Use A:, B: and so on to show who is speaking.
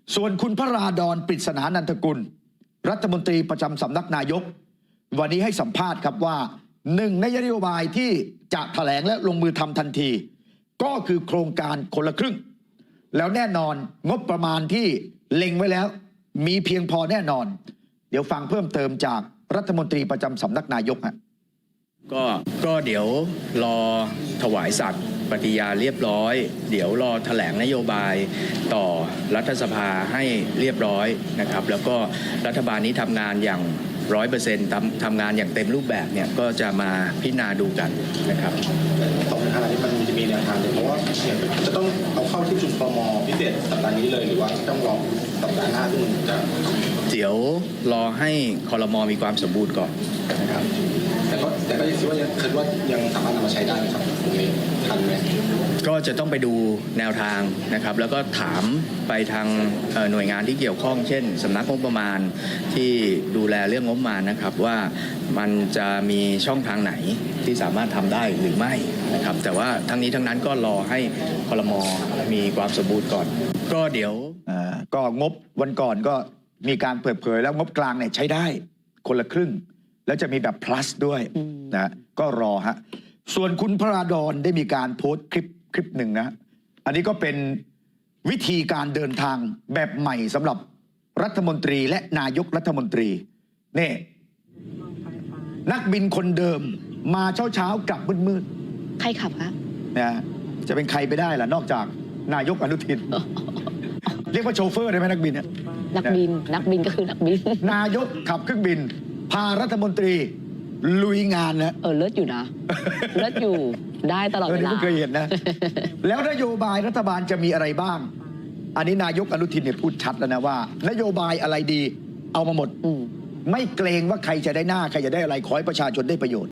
A: ส่วนคุณพระราดอนปริศนานันทกุลรัฐมนตรีประจำสำนักนายกวันนี้ให้สัมภาษณ์ครับว่าหนึ่งในนโยบายที่จะแถลงและลงมือทำทันที ก็คือโครงการคนละครึ่งแล้วแน่นอนงบประมาณที่เล็งไว้แล้วมีเพียงพอแน่นอนเดี๋ยวฟังเพิ่มเติมจากรัฐมนตรีประจำสำนักนายกฮะ
B: ก็เดี๋ยวรอถวายสัตย์ปฏิญาณเรียบร้อยเดี๋ยวรอแถลงนโยบายต่อรัฐสภาให้เรียบร้อยนะครับแล้วก็รัฐบาลนี้ทำงานอย่าง100%ทำงานอย่างเต็มรูปแบบเนี่ยก็จะมาพิจารณาดูกันนะครับ
C: ต่อปัญหานี้มันจะมีแนวทางเลยเพราะว่าจะต้องเอาเข้าที่ประชุมครม.พิเศษสัปดาห์นี้เลยหรือว่าต้องรอสัปดาห์หน้าที่มันจะ
B: เดี๋ยวรอให้ครม.มีความสมบูรณ์ก่อนนะครับ
C: แต่ก็คิดว่ายังสามารถนำมาใช้ได้ไหมครับตรงนี้ทันไหม
B: ก็จะต้องไปดูแนวทางนะครับแล้วก็ถามไปทางหน่วยงานที่เกี่ยวข้องเช่นสำนักงบประมาณที่ดูแลเรื่องงบประมาณนะครับว่ามันจะมีช่องทางไหนที่สามารถทำได้หรือไม่นะครับแต่ว่าทั้งนี้ทั้งนั้นก็รอให้ครม.มีความสมบูรณ์ก่อนก็เดี๋ยว
A: ก็งบวันก่อนก็มีการเปิดเผยแล้วงบกลางเนี่ยใช้ได้คนละครึ่งแล้วจะมีแบบ plus ด้วยนะก็รอฮะส่วนคุณพระราดอนได้มีการโพสต์คลิปหนึ่งนะอันนี้ก็เป็นวิธีการเดินทางแบบใหม่สำหรับรัฐมนตรีและนายกรัฐมนตรีนี่นักบินคนเดิมมาเช้ากลับมืด
D: ใครขับคะ
A: นะจะเป็นใครไปได้ล่ะนอกจากนายกอนุทินเรียกว่าโชเฟอร์ได้ไหมนักบินเนี่ย
D: นักบินก็คือนักบิน
A: นายกขับเครื่องบินพารัฐมนตรีลุยงานนะ
D: เลิศอยู่นะเลิศอยู่ได้ตลอดเวลา
A: ไม่เคยเห็นนะแล้วนโยบายรัฐบาลจะมีอะไรบ้างอันนี้นายกอนุทินเนี่ยพูดชัดแล้วนะว่านโยบายอะไรดีเอามาหมดไม่เกรงว่าใครจะได้หน้าใครจะได้อะไรขอให้ประชาชนได้ประโยชน์